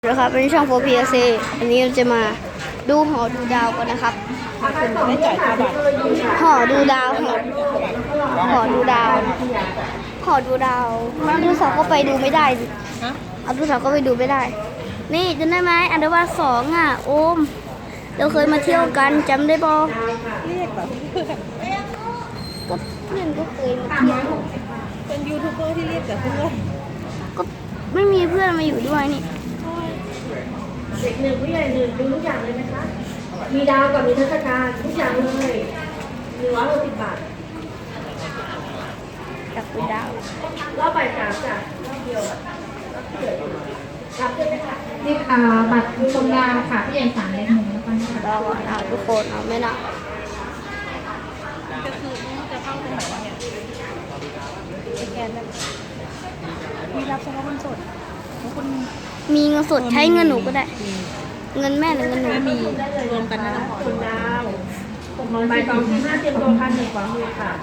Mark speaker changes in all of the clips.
Speaker 1: นะครับเป็นช่อง 4PLC อันนี้เราจะมาดูหอดูดาวกันนะครับ
Speaker 2: ไม่จ่ายค่าบัตร
Speaker 1: หอดูดาวหอดูดาวหอดูดาวอันดูสาวก็ไปดูไม่ได้สิ
Speaker 2: ฮะ
Speaker 1: อันดูสาวก็ไปดูไม่ได้ นี่จำได้ไหมอันดับ2อ่ะโอมเราเคยมาเที่ยวกันจำได้บอ
Speaker 2: เรียกแบบเพื่อน
Speaker 1: ก็เพื่อนก็เคยมาเที่ยว
Speaker 2: เป็นยูทูบเบอร์ที่เรียกแต่เพื่อน
Speaker 1: ก็ไม่มีเพื่อนมาอยู่ด้วยนี่
Speaker 3: เด็กหนึ่งผู้ใหญ่หนึ่งดูทุกอย่างเลยไหมคะ มีดาวกับมีเทศกาลทุกอย่างเลย160 บาท
Speaker 1: จากดูดาว
Speaker 3: รอบบ่าย3จ้ะรอบเดียวรับได้ไหมคะ
Speaker 4: นี่บัตรชมดาวค่ะพี่ใหญ่3 เล็ก 1แล้วกันค่ะ
Speaker 1: เราอ่ะทุกคนเอาไม่นะ
Speaker 2: ก็คือจะเข้าตรงไหนวะเนี่ยสแกนได้มีรับเฉพาะเงินสดแล้วคน
Speaker 1: มีเงินสดใช้เงินหนูก็ได้ เงินแม่หรือเงินหนู
Speaker 2: ไม่มีรวมกันนะ
Speaker 3: คุณดาวบ่าย2 4 5เตรียมตัวพันหนึ่งขวามือค่ะ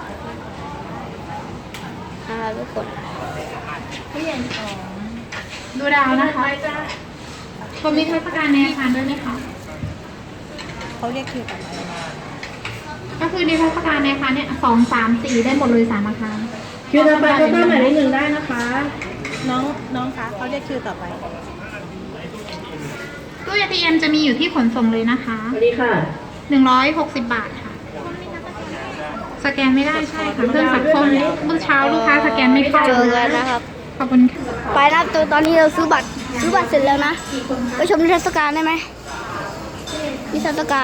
Speaker 1: ทุกคน
Speaker 4: พี่ใหญ่2ดูดาวนะคะผมมีเทศกาลในอาคารด้วยไหมคะ
Speaker 2: เขาเรียกคิวกลับมา
Speaker 4: ก็คือในเทศกาลในอาคารเนี่ย2 3 4ได้หมดเลย3อาคาร
Speaker 3: คิวต่อไปก็ต้องหมายเลข1ได้นะคะ
Speaker 2: น้องคะเขาเรียกคิวต่อไป
Speaker 4: ตู้ ATM จะมีอยู่ที่ขนส่งเลยนะคะ
Speaker 3: สวัสดีค่ะ
Speaker 4: 160 บาทค่ะ สแกนไม่ได้ใช่ค่ะเครื่องสักคมเมื่อเช้าลูกค้าสแกนไม่เข้า
Speaker 1: เจอกันนะครับ
Speaker 4: ขอบคุณค่ะ
Speaker 1: ไปนะตอนนี้เราซื้อบัตรเสร็จแล้วนะ ไปชมนิทรรศการได้ไหมนิทรรศการ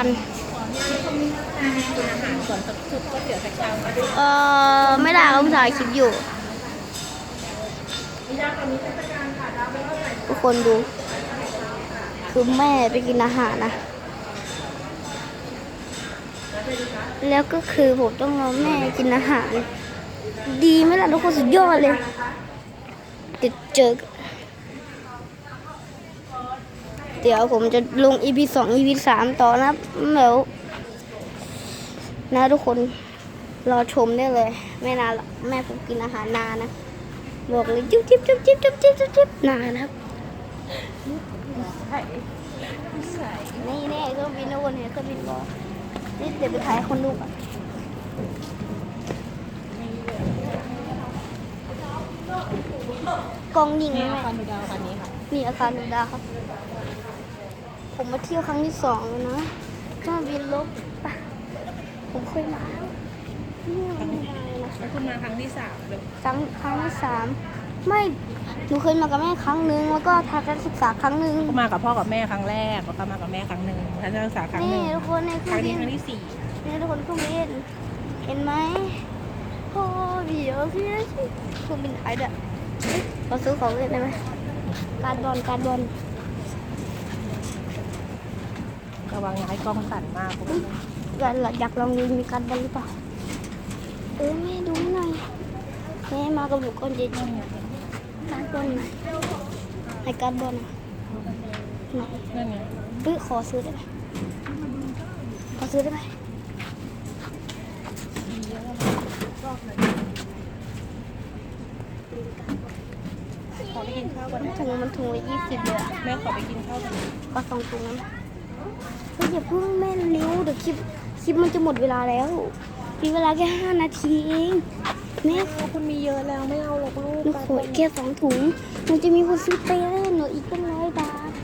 Speaker 2: ส่วนสุดก็เสียสักชาม
Speaker 1: ไม่ได้เขาถ่ายคลิปอยู่ ทุกคนดู คือแม่ไปกินอาหารนะ แล้วก็คือผมต้องรอแม่กินอาหาร ดีไหมล่ะทุกคนสุดยอดเลยเจอกันเดี๋ยวผมจะลง EP 2 EP 3 ต่อนะแล้วนะทุกคนรอชมได้เลยไม่นานหรอกแม่ผมกินอาหารนานนะบอกเลยจิ๊บจิ๊บจิ๊บจิ๊บจิ๊บจิ๊บจิ๊บนานนะครับนี่แน่เครื่องบินนะวนเห็นเครื่องบินบอนี่เดี๋ยวไปถ่ายคนดูก่อนกองยิง
Speaker 2: นี่
Speaker 1: แม่
Speaker 2: อาคารดูดาวคันนี้ค่ะ
Speaker 1: นี่อาคารดูดาวครับ ผมมาเที่ยวครั้งที่2แล้วนะเครื่องบินลบปะผมเคยมาแล้วนี่ไม่ได้นะ
Speaker 2: แล้วคุณมาครั้งที่3เลย
Speaker 1: ครั้งที่3ไม่หนูเคยมากับแม่ครั้งนึงแล้วก็ทัศนศึกษาครั้งนึง
Speaker 2: ก็มากับพ่อกับแม่ครั้งแรกแล้วก็มากับแม่ครั้งหนึ่งทัศนศึกษาครั้งห
Speaker 1: นี่
Speaker 2: นึ่ง
Speaker 1: ทุกคนในเค
Speaker 2: ค
Speaker 1: รื่
Speaker 2: รั้
Speaker 1: อง
Speaker 2: ง
Speaker 1: บิ
Speaker 2: นี้
Speaker 1: น
Speaker 2: ครั้งที่
Speaker 1: นี่ทุกคนเครื่องบินเห็นไหมโอ้เดี๋ยวพี่เครื่องบินไทยด้วยเราซื้อของเล่นได้ไหมการบอล
Speaker 2: 4ระวังย้ายกล้องสั่นมากคุณ
Speaker 1: อยากลองดูมีการบอลหรือเปล่าแม่ดูหน่อยแม่มากับหนูก่อนเย็นการบอลในการบอลไหน
Speaker 2: นั่นไง
Speaker 1: ขอซื้อได้ไหมขอซื้อได้ไหม
Speaker 2: ขอไปกินข้าวก่อนนะ
Speaker 1: มันถุงละ20เลยอะ
Speaker 2: แม่ขอไปกินข้าวก่อน
Speaker 1: ก็2 ถุงนั้นเฮ้ยอย่าเพิ่งแม่เร็วเดี๋ยวคลิปมันจะหมดเวลาแล้วมีเวลาแค่5 นาทีเองแม่
Speaker 2: คุณมีเยอะแล้วไม่เอาหรอกลูก
Speaker 1: หนูขอแค่2 ถุงมันจะมีคนซื้อไปแล้วหนูอีกตั้ง100 บาท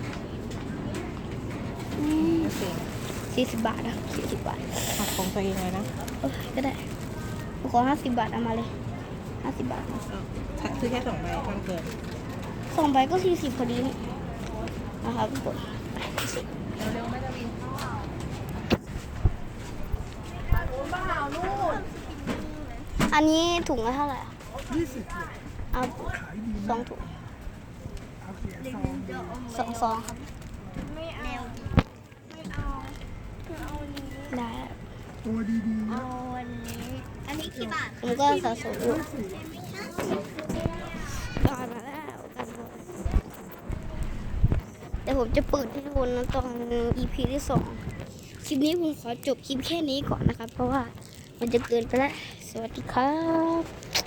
Speaker 1: 40 บาทอะ40 บาท
Speaker 2: หักของตัวเองเลยนะ
Speaker 1: ก็ได้หนูขอ50 บาทเอามาเลย50 บาท
Speaker 2: ซื้อแค่2 ใบมันเกิน
Speaker 1: 2 ใบก็40พอดีนี่นะครับทุกคน
Speaker 2: เร็วๆไม่จะบิน
Speaker 1: อันนี้ถุงละเท่าไหร่อะเอา2 ถุง2 ซองครับได้
Speaker 5: เอาวันนี้ อันนี้กี่บาท
Speaker 1: ผมก็สะสมอยู่ก่อนมาแล้วกันแต่ผมจะเปิดให้ดูนะตอน EP ที่ 2 คลิปนี้ผมขอจบคลิปแค่นี้ก่อนนะครับ เพราะว่ามันจะเกินไปแล้ว สวัสดีครับ